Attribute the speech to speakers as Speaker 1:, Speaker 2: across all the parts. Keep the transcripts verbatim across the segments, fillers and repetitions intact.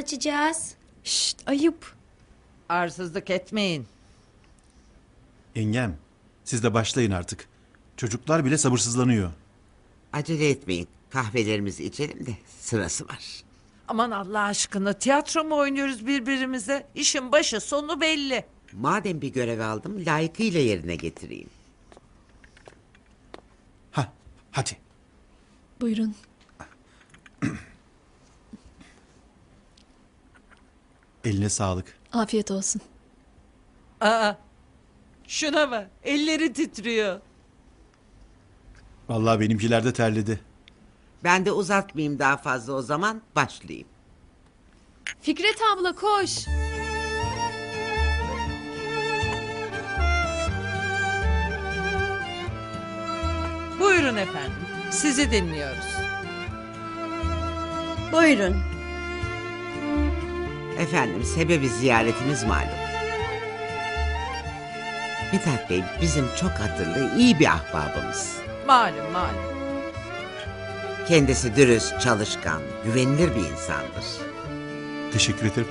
Speaker 1: açacağız?
Speaker 2: Şşt, ayıp.
Speaker 3: Arsızlık etmeyin.
Speaker 4: Yengem, siz de başlayın artık. Çocuklar bile sabırsızlanıyor.
Speaker 5: Acele etmeyin. Kahvelerimizi içelim de sırası var.
Speaker 3: Aman Allah aşkına, tiyatro mu oynuyoruz birbirimize? İşin başı sonu belli.
Speaker 5: Madem bir görev aldım, layıkıyla yerine getireyim.
Speaker 4: Ha, hadi.
Speaker 2: Buyurun.
Speaker 4: Eline sağlık.
Speaker 2: Afiyet olsun.
Speaker 3: Aa, şuna bak, elleri titriyor.
Speaker 4: Vallahi benimkiler de terledi.
Speaker 5: Ben de uzatmayayım daha fazla, o zaman başlayayım.
Speaker 2: Fikret abla koş.
Speaker 3: Buyurun efendim, sizi dinliyoruz.
Speaker 1: Buyurun.
Speaker 5: Efendim, sebebi ziyaretimiz malum. Mithat Bey bizim çok hatırlı, iyi bir ahbabımız.
Speaker 3: Malum malum.
Speaker 5: Kendisi dürüst, çalışkan, güvenilir bir insandır.
Speaker 4: Teşekkür ederim.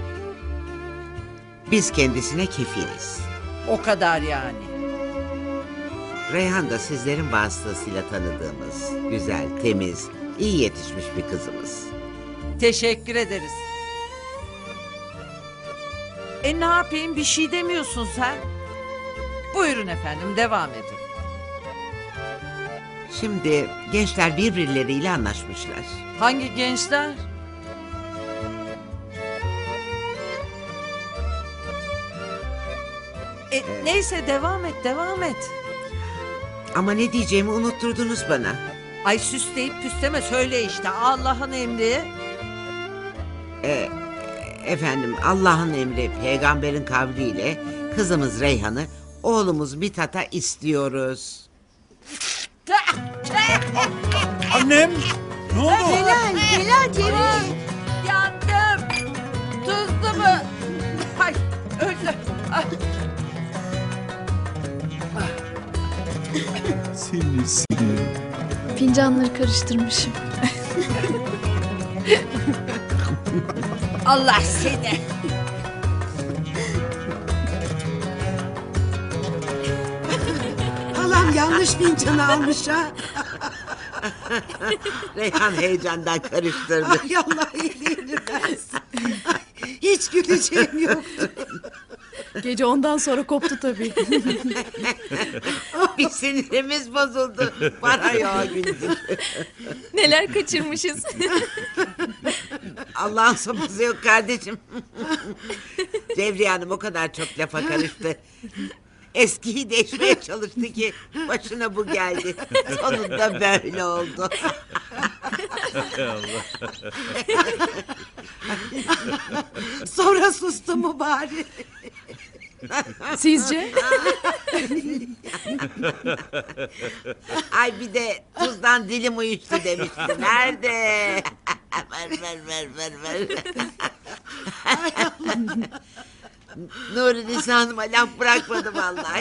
Speaker 5: Biz kendisine kefiliz.
Speaker 3: O kadar yani.
Speaker 5: Reyhan da sizlerin vasıtasıyla tanıdığımız, güzel, temiz, iyi yetişmiş bir kızımız.
Speaker 3: Teşekkür ederiz. E ne yapayım, bir şey demiyorsun sen. Buyurun efendim, devam edin.
Speaker 5: Şimdi gençler birbirleriyle anlaşmışlar.
Speaker 3: Hangi gençler? E, neyse devam et, devam et.
Speaker 5: Ama ne diyeceğimi unutturdunuz bana.
Speaker 3: Ay süsleyip püsleme, söyle işte, Allah'ın emri.
Speaker 5: Ee, efendim, Allah'ın emri, peygamberin kavliyle kızımız Reyhan'ı oğlumuz Mithat'a istiyoruz.
Speaker 4: Annem! Ne oldu?
Speaker 1: Celal, Celal, Celal.
Speaker 3: Yandım. Tuzlu mu? Ay öldü. Ay.
Speaker 4: Seni seni.
Speaker 2: Fincanları karıştırmışım.
Speaker 3: Allah seni.
Speaker 6: Halam yanlış fincanı almış ha.
Speaker 5: Reyhan heyecandan karıştırdı.
Speaker 6: Ay Allah iyiliğini versin. Hiç güleceğim yoktu.
Speaker 2: Gece ondan sonra koptu tabii.
Speaker 5: Bir sinirimiz bozuldu. Para yok güldük.
Speaker 2: Neler kaçırmışız.
Speaker 5: Allah'ın sopası yok kardeşim. Cevriye Hanım o kadar çok lafa karıştı. Eskiyi değişmeye çalıştı ki başına bu geldi. Sonunda böyle oldu.
Speaker 6: Sonra sustu mu bari?
Speaker 2: Sizce?
Speaker 5: Ay bir de tuzdan dilim uyuştu demişti. Nerede? ver ver ver ver ver. Nuri Nisa Hanım'a laf bırakmadı vallahi.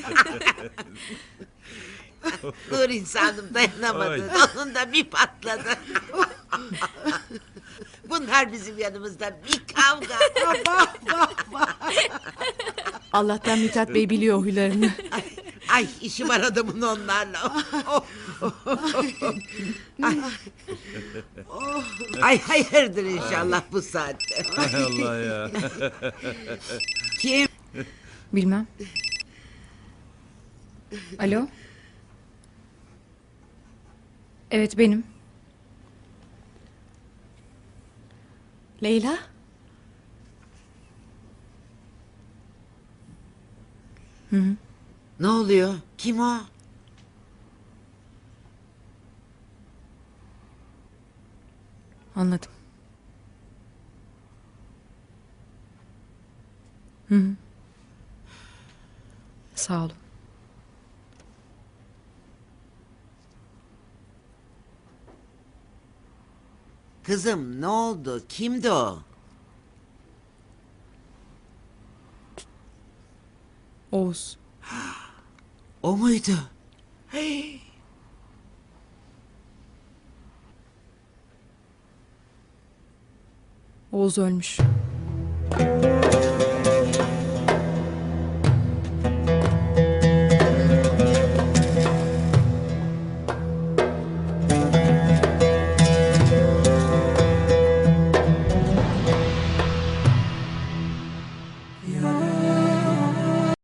Speaker 5: Nuri Nisa Hanım dayanamadı. Onun da bir patladı. Bunlar bizim yanımızda bir kavga.
Speaker 2: Allah'tan Mithat Bey biliyor huylarını.
Speaker 5: Ay, ay işi var adamın onlarla. ay. ay hayırdır inşallah bu saatte.
Speaker 4: Hay Allah ya.
Speaker 5: Kim?
Speaker 7: Bilmem. Alo? Evet benim.
Speaker 2: Leyla?
Speaker 7: Hı hı.
Speaker 5: Ne oluyor? Kim o?
Speaker 7: Anladım. Hı hı. Sağ olun.
Speaker 5: Kızım ne oldu? Kimdi o?
Speaker 7: Oğuz.
Speaker 5: O muydu?
Speaker 7: Oğuz ölmüş.